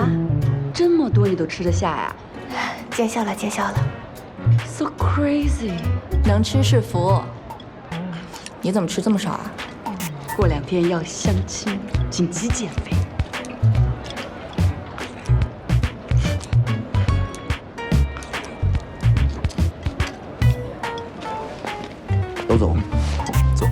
这么多你都吃得下呀见笑了，见笑了。 ？So crazy！ 能吃是福。你怎么吃这么少啊？ 过2天要相亲，紧急减肥。 都走，走。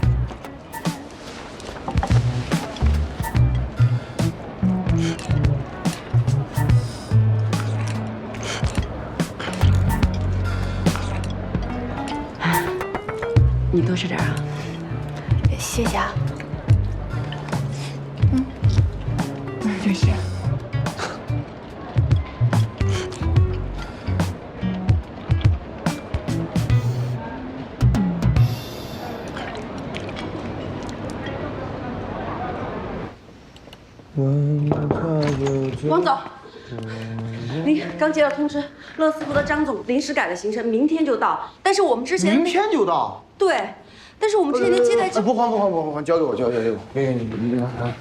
你多吃点啊。 谢谢啊。 谢谢。 王总，您刚接到通知，乐思福的张总临时改了行程，明天就到。但是我们之前明天就到。 对，但是我们之前的接待不还，交给我，交给我。你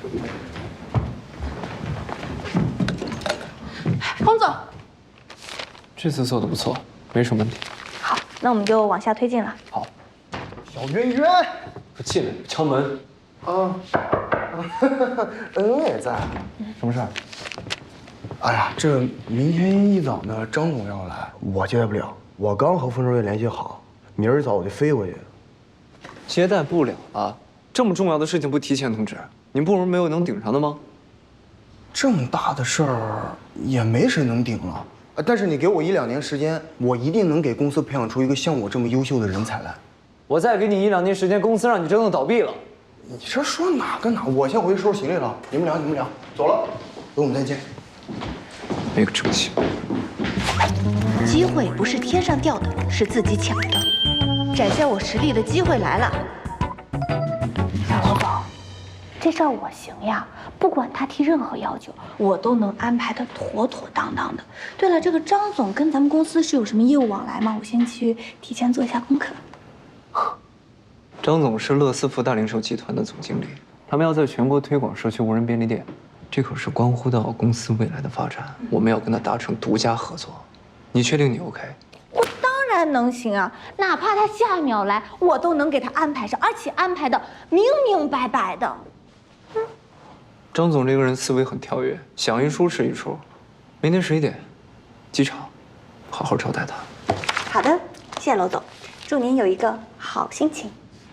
王总， 这次做的不错，没什么问题。 好，那我们就往下推进了。 好， 小圆圆， 快进来，敲门。 啊，恩也在。 什么事儿？ 哎呀，这明天一早呢，张总要来，我接待不了。我刚和风收月联系好，明儿一早我就飞过去。 接待不了了，这么重要的事情不提前通知，您部门没有能顶上的吗？ 这么大的事儿也没谁能顶了。但是你给我1、2年时间，我一定能给公司培养出一个像我这么优秀的人才来。 我再给你1、2年时间，公司让你真的倒闭了。 你这说哪跟哪？我先回去收拾行李了。你们俩走了，等我们再见。 没个正形。 机会不是天上掉的，是自己抢的。展现我实力的机会来了。小罗总，这事儿我行呀，不管他提任何要求，我都能安排的妥妥当当的。对了，这个张总跟咱们公司是有什么业务往来吗？我先去提前做一下功课。 张总是乐思福大零售集团的总经理，他们要在全国推广社区无人便利店，这可是关乎到公司未来的发展，我们要跟他达成独家合作。你确定你 OK？ 我当然能行啊，哪怕他下一秒来，我都能给他安排上，而且安排的明明白白的。 张总这个人思维很跳跃，想一出是一出。明天11点，机场，好好招待他。 好的，谢谢娄总，祝您有一个好心情。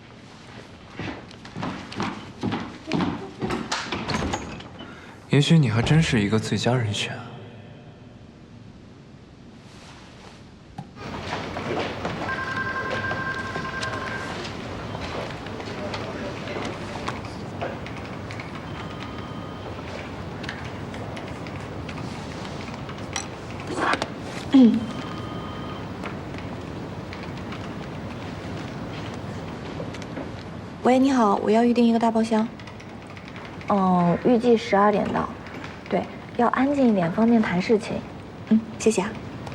也许你还真是一个最佳人选。 喂，你好，我要预定一个大包厢。预计12点到。对，要安静一点，方便谈事情。谢谢啊。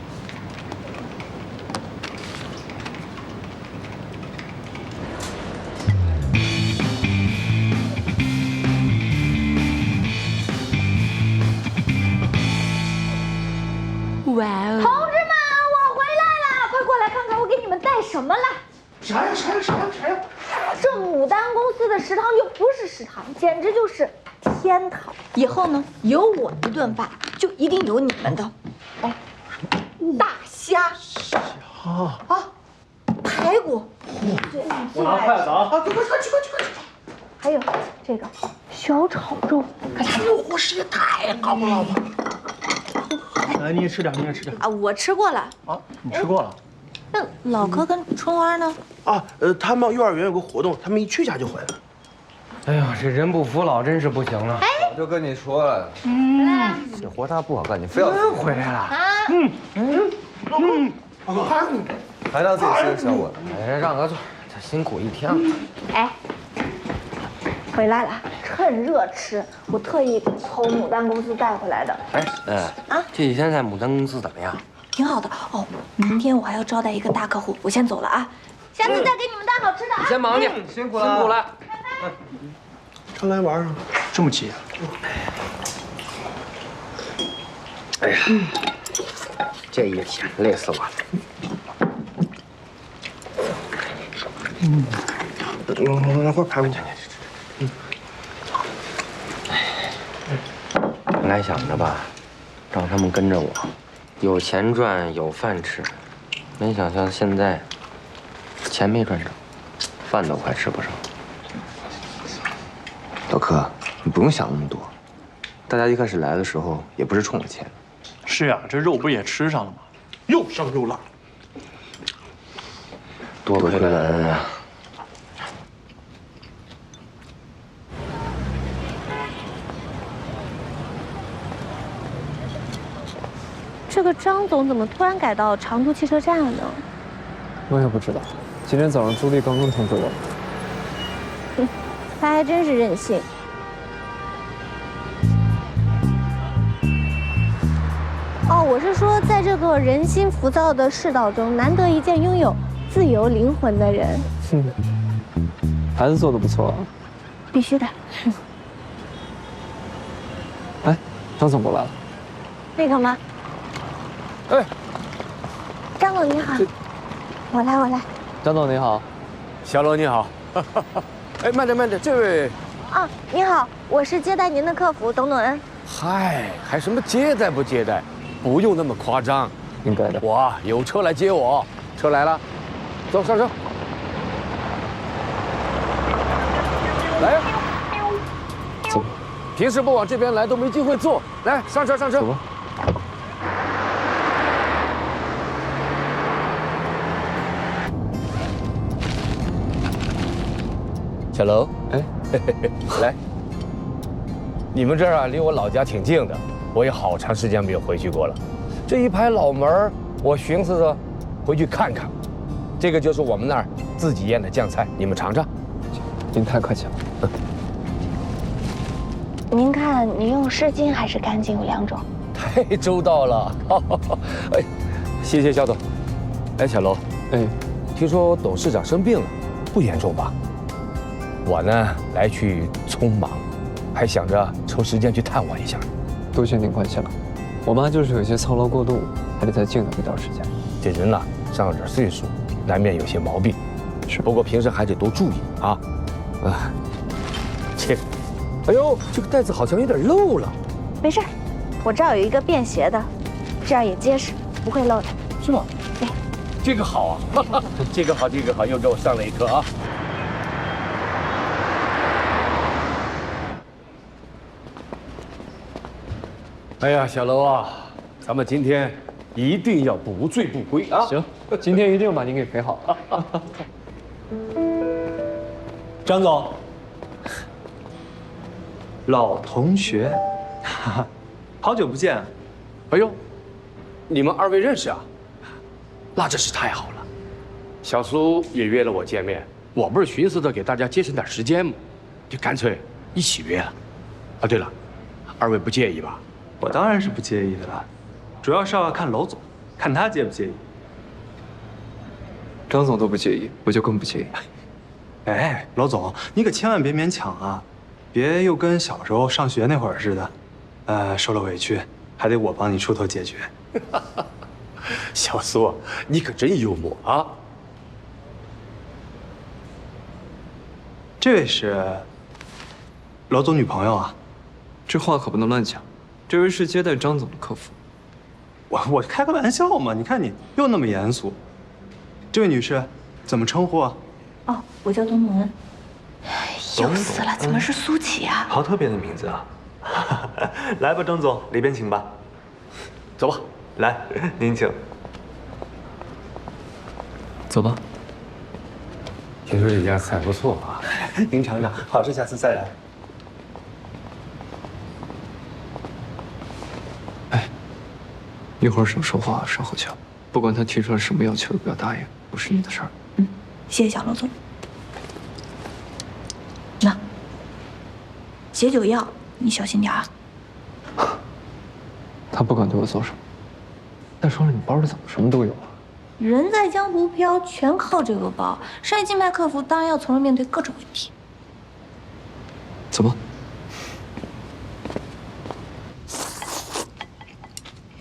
哇哦！ 同志们，我回来了，快过来看看我给你们带什么了。 啥呀？ 这牡丹公司的食堂就不是食堂，简直就是天堂。以后呢，有我一顿饭，就一定有你们的。哦，大虾啊，排骨，对， 我拿筷子啊！ 快去！ 还有这个小炒肉， 这个伙食也太高了吧！ 来，你也吃点啊！我吃过了啊，你吃过了。 那老柯跟春花呢？ 啊，他们幼儿园有个活动，他们一去家就回来了。 哎呀，这人不服老真是不行了。 我就跟你说了，这活他不好干，你非要回来了。 还当自己是个小伙子。 哎，让个座，这辛苦一天了。 哎，回来了，趁热吃。我特意从牡丹公司带回来的。 哎，这几天在牡丹公司怎么样？ 挺好的哦。明天我还要招待一个大客户，我先走了啊。下次再给你们带好吃的啊。 你先忙去， 辛苦了。 常来玩啊？ 这么急啊？ 哎呀，这一天累死我了。那会儿排骨去。本来想着吧，让他们跟着我，有钱赚，有饭吃。没想到现在，钱没赚着，饭都快吃不上。 老柯，你不用想那么多。大家一开始来的时候也不是冲着钱。 是呀，这肉不是也吃上了吗？又香又辣。 多亏了恩啊！ 这个张总怎么突然改到长途汽车站了呢？ 我也不知道。今天早上朱莉刚刚通知我。 他还真是任性。哦，我是说，在这个人心浮躁的世道中，难得一见拥有自由灵魂的人。 孩子做的不错啊。 必须的。 哎，张总过来了。 那个吗？ 哎， 张总你好，我来。 张总你好， 小罗你好。哎，慢点，这位。 啊，你好，我是接待您的客服董恩。 嗨，还什么接待不接待？不用那么夸张。 应该的。 我有车来接我，车来了，走上车。来呀， 走。 平时不往这边来都没机会坐，来上车。 走吧。 小楼， 哎， 来，你们这儿啊，离我老家挺近的，我也好长时间没有回去过了。这一排老门儿，我寻思着回去看看。这个就是我们那儿自己腌的酱菜，你们尝尝。 您太客气了。 您看，您用湿巾还是干巾有两种。 太周到了，哎，谢谢肖总。哎，小楼， 哎， 听说董事长生病了，不严重吧？我呢来去匆忙，还想着抽时间去探望一下。 多谢您关心了。我妈就是有些操劳过度，还得再静养一段时间。 这人呐，上了点岁数，难免有些毛病。 是， 不过平时还得多注意啊。这，哎呦，这个袋子好像有点漏了。 没事，我这儿有一个便携的，这样也结实，不会漏的。 是吗？ 对， 这个好啊，这个好，又给我上了一课啊。哎呀，小楼啊，咱们今天一定要不醉不归啊！ 行，今天一定把您给陪好。 张总，老同学，好久不见。 哎呦，你们二位认识啊？那真是太好了。小苏也约了我见面，我不是寻思着给大家节省点时间吗？就干脆一起约了。啊，对了，二位不介意吧？ 我当然是不介意的了，主要是要看娄总，看他介不介意。 张总都不介意，我就更不介意。 哎，娄总，你可千万别勉强啊，别又跟小时候上学那会儿似的，受了委屈还得我帮你出头解决。 小苏，你可真幽默啊！ 这位是娄总女朋友啊？ 这话可不能乱讲。这位是接待张总的客服。 我开个玩笑嘛，你看你又那么严肃。这位女士怎么称呼啊？ 哦，我叫董恩。又死了，怎么是苏琪啊？ 好特别的名字啊！来吧，张总，里边请吧。 走吧， 来，您请。 走吧。 听说这家菜不错啊， 您尝尝，好吃下次再来。 一会儿少说话，少喝酒。不管他提出来什么要求，不要答应，不是你的事儿。 谢谢小娄总。那解酒药你小心点啊。 他不管对我做什么。再说了，你包里怎么什么都有啊？ 人在江湖飘，全靠这个包。商业竞拍客服当然要从容面对各种问题。 走吧。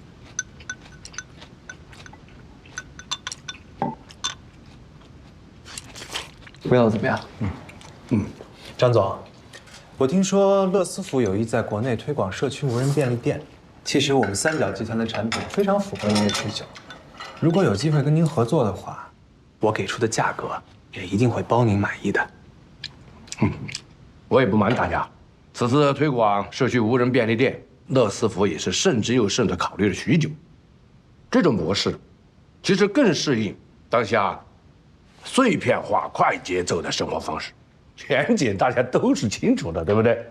味道怎么样？ 张总，我听说乐思福有意在国内推广社区无人便利店。其实我们三角集团的产品非常符合您的需求。如果有机会跟您合作的话，我给出的价格也一定会包您满意的。 我也不瞒大家，此次推广社区无人便利店，乐思福也是慎之又慎地考虑了许久。这种模式，其实更适应当下碎片化、快节奏的生活方式。前景大家都是清楚的，对不对？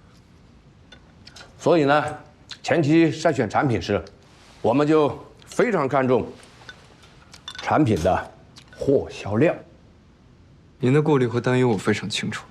所以呢，前期筛选产品时，我们就非常看重产品的货销量。 您的顾虑和担忧我非常清楚。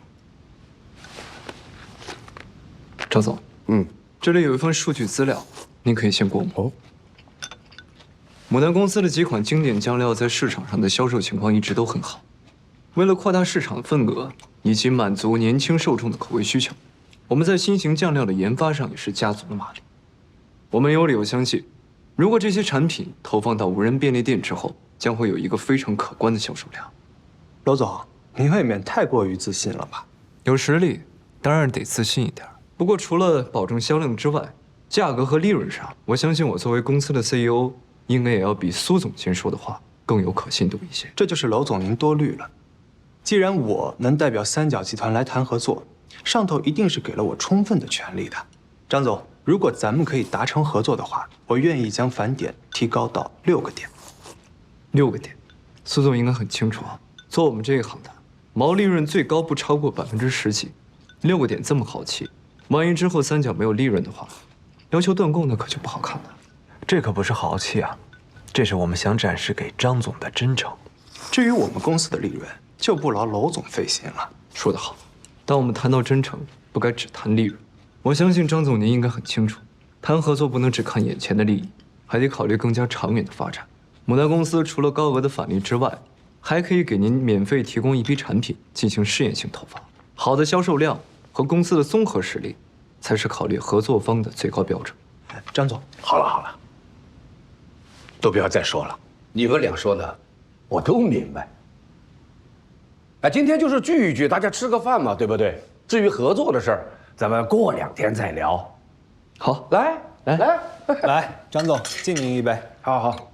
赵总，这里有一份数据资料，您可以先过目。牡丹公司的几款经典酱料在市场上的销售情况一直都很好。为了扩大市场份额以及满足年轻受众的口味需求，我们在新型酱料的研发上也是加足了马力。我们有理由相信，如果这些产品投放到无人便利店之后，将会有一个非常可观的销售量。 娄总，您未免太过于自信了吧？ 有实力，当然得自信一点。不过除了保证销量之外，价格和利润上，我相信我作为公司的 CEO， 应该也要比苏总监说的话更有可信度一些。 这就是娄总您多虑了。既然我能代表三角集团来谈合作，上头一定是给了我充分的权利的。张总，如果咱们可以达成合作的话，我愿意将返点提高到6个点。 6个点，苏总应该很清楚啊。做我们这一行的，毛利润最高不超过10%几，6个点这么好气，万一之后三角没有利润的话，要求断供那可就不好看了。 这可不是豪气啊，这是我们想展示给张总的真诚。至于我们公司的利润，就不劳娄总费心了。 说得好，当我们谈到真诚，不该只谈利润。我相信张总您应该很清楚，谈合作不能只看眼前的利益，还得考虑更加长远的发展。牡丹公司除了高额的返利之外，还可以给您免费提供一批产品进行试验性投放。好的销售量和公司的综合实力，才是考虑合作方的最高标准。 张总， 好了，都不要再说了，你们俩说的，我都明白。哎，今天就是聚一聚，大家吃个饭嘛，对不对？至于合作的事儿，咱们过2天再聊。 好， 来， 来，张总敬您一杯。 好，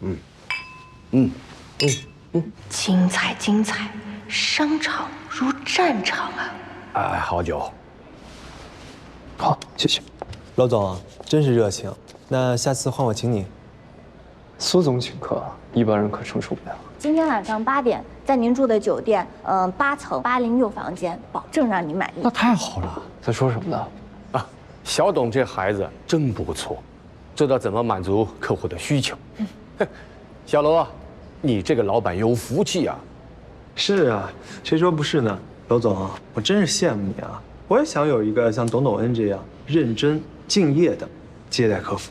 精彩精彩，商场如战场啊！ 哎，好酒。 好，谢谢。 娄总真是热情，那下次换我请你。 苏总请客，一般人可承受不了。 今天晚上8点，在您住的酒店，8层806房间，保证让你满意。 那太好了。 在说什么呢？ 啊，小董这孩子真不错，知道怎么满足客户的需求。小娄啊，你这个老板有福气啊！ 是啊，谁说不是呢？娄总，我真是羡慕你啊！我也想有一个像董恩这样认真敬业的接待客服。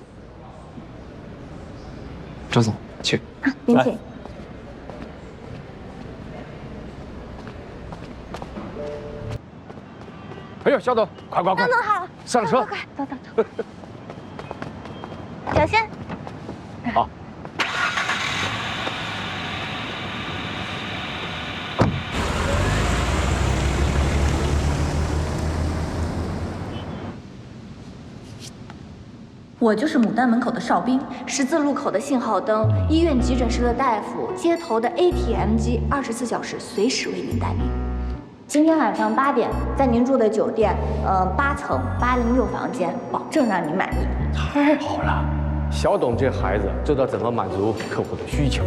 张总，请。 您请。 哎呦，小董，快！ 张总好， 上车， 快，走。小心。 好。 我就是牡丹门口的哨兵，十字路口的信号灯，医院急诊室的大夫，街头的 ATM 机，24小时随时为您待命。今天晚上8点，在您住的酒店，8层806房间，保证让您满意。 太好了，小董这孩子知道怎么满足客户的需求。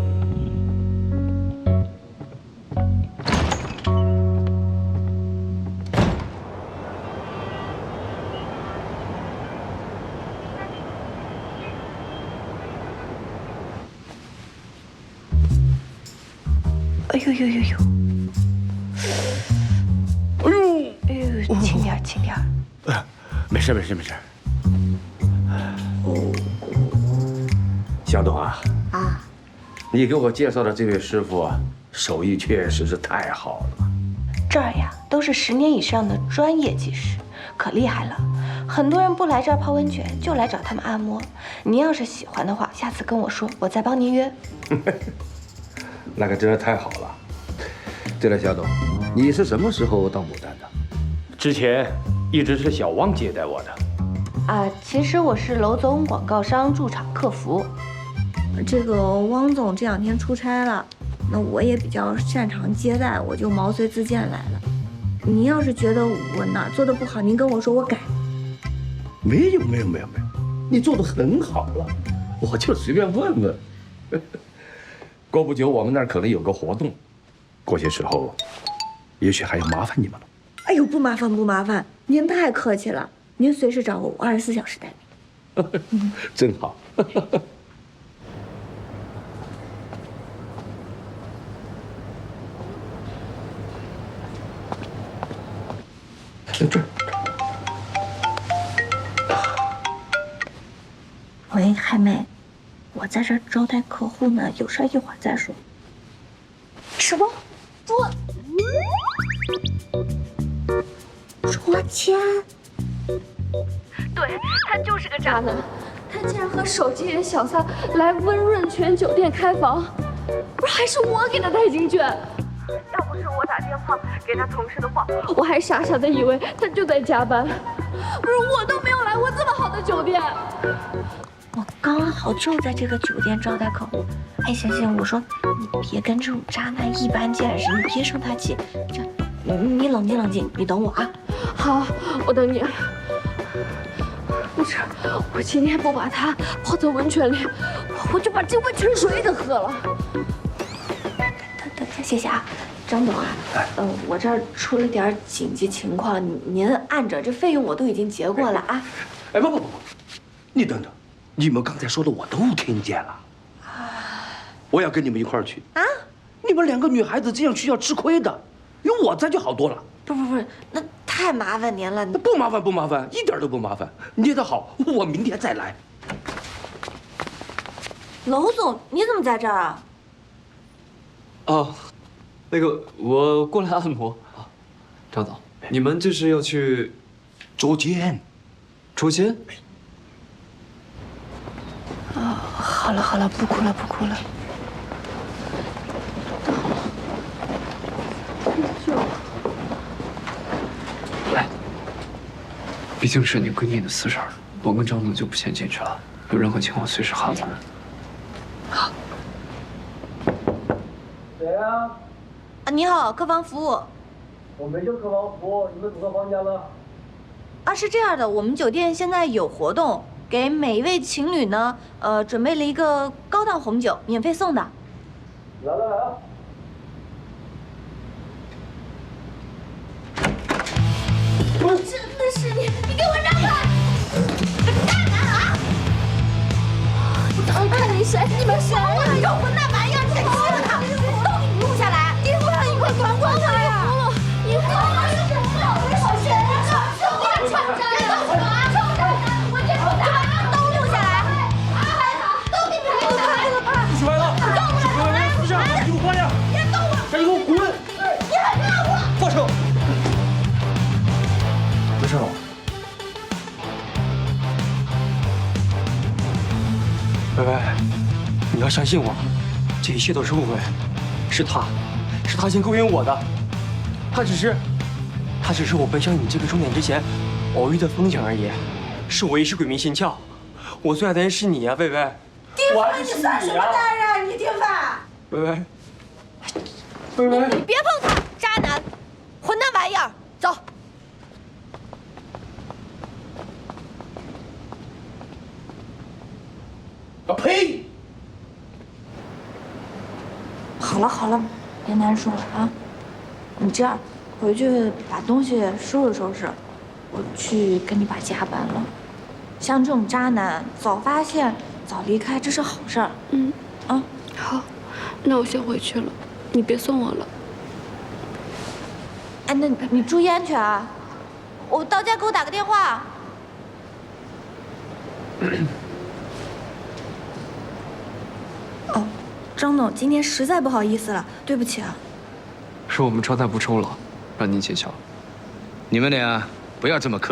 哎呦，轻点，轻点。 没事。小董啊，你给我介绍的这位师傅啊，手艺确实是太好了。 这儿呀，都是10年以上的专业技师，可厉害了。很多人不来这儿泡温泉，就来找他们按摩。您要是喜欢的话，下次跟我说，我再帮您约。 那可真是太好了。 对了，小董，你是什么时候到牡丹的？之前一直是小汪接待我的。 其实我是娄总广告商驻场客服。这个汪总这2天出差了，那我也比较擅长接待，我就毛遂自荐来了。您要是觉得我哪儿做的不好，您跟我说，我改。 没有，你做的很好了，我就随便问问。过不久我们那儿可能有个活动，过些时候，也许还要麻烦你们了。 哎呦，不麻烦，您太客气了，您随时找我，24小时待命。 真好。 喂，海妹，我在这儿招待客户呢，有事一会儿再说。什么？捉奸？ 对，他就是个渣男，他竟然和手机人小三来温润泉酒店开房，不是还是我给他带进去。要不是我打电话给他同事的话，我还傻傻的以为他就在加班。不是我都没有来过这么好的酒店。 我刚好就在这个酒店招待客户。哎，行，我说你别跟这种渣男一般见识，你别生他气。你冷静，你等我啊。 好，我等你。不是，我今天不把他泡在温泉里，我就把这温泉水都喝了。 谢谢啊，张总啊，我这儿出了点紧急情况，您按着，这费用我都已经结过了啊。 哎，不，你等等，你们刚才说的我都听见了。我要跟你们一块儿去啊！你们2个女孩子这样去要吃亏的，有我在就好多了。 不是，那太麻烦您了。 不麻烦，一点都不麻烦。捏得好，我明天再来。 娄总，你怎么在这儿啊？ 哦，那个我过来按摩啊。张总，你们这是要去捉奸？ 好了，不哭了。 来，毕竟是你闺蜜的私事儿，我跟张总就不先进去了。有任何情况随时喊我们。好。 谁啊？ 你好，客房服务。 我没叫客房服务，你们走到房间了？ 是这样的，我们酒店现在有活动，给每一位情侣呢，准备了一个高档红酒，免费送的。 来啊！ 我真的是你给我让开！大男啊！我看你谁？你们谁呀？你这混蛋玩意儿，你敢欺负他？都给你录下来！你不让一块管管他呀！你疯了是什么？我谁呀？你个蠢渣！臭渣！我这臭渣！都录下来！都给你录下来！ 出来了！各位私下，衣服换上！ 别动我！ 赶紧给我滚！ 你还骂我？ 放手！ 没事了。 薇，你要相信我，这一切都是误会，是他先勾引我的，他只是我奔向你这个终点之前偶遇的风景而已，是我一时鬼迷心窍，我最爱的人是你呀，薇薇。 丁凡，你算什么男人？你丁凡， 薇薇， 你别碰他，渣男，混蛋玩意儿，走。 呸！ 好了，别难受了啊。你这样，回去把东西收拾收拾，我去跟你爸加班了。像这种渣男，早发现早离开，这是好事儿。 好，那我先回去了，你别送我了。 哎，那你注意安全啊！我到家给我打个电话。张总，今天实在不好意思了，对不起啊。 是我们招待不周了，让您见笑。 你们俩不要这么客气。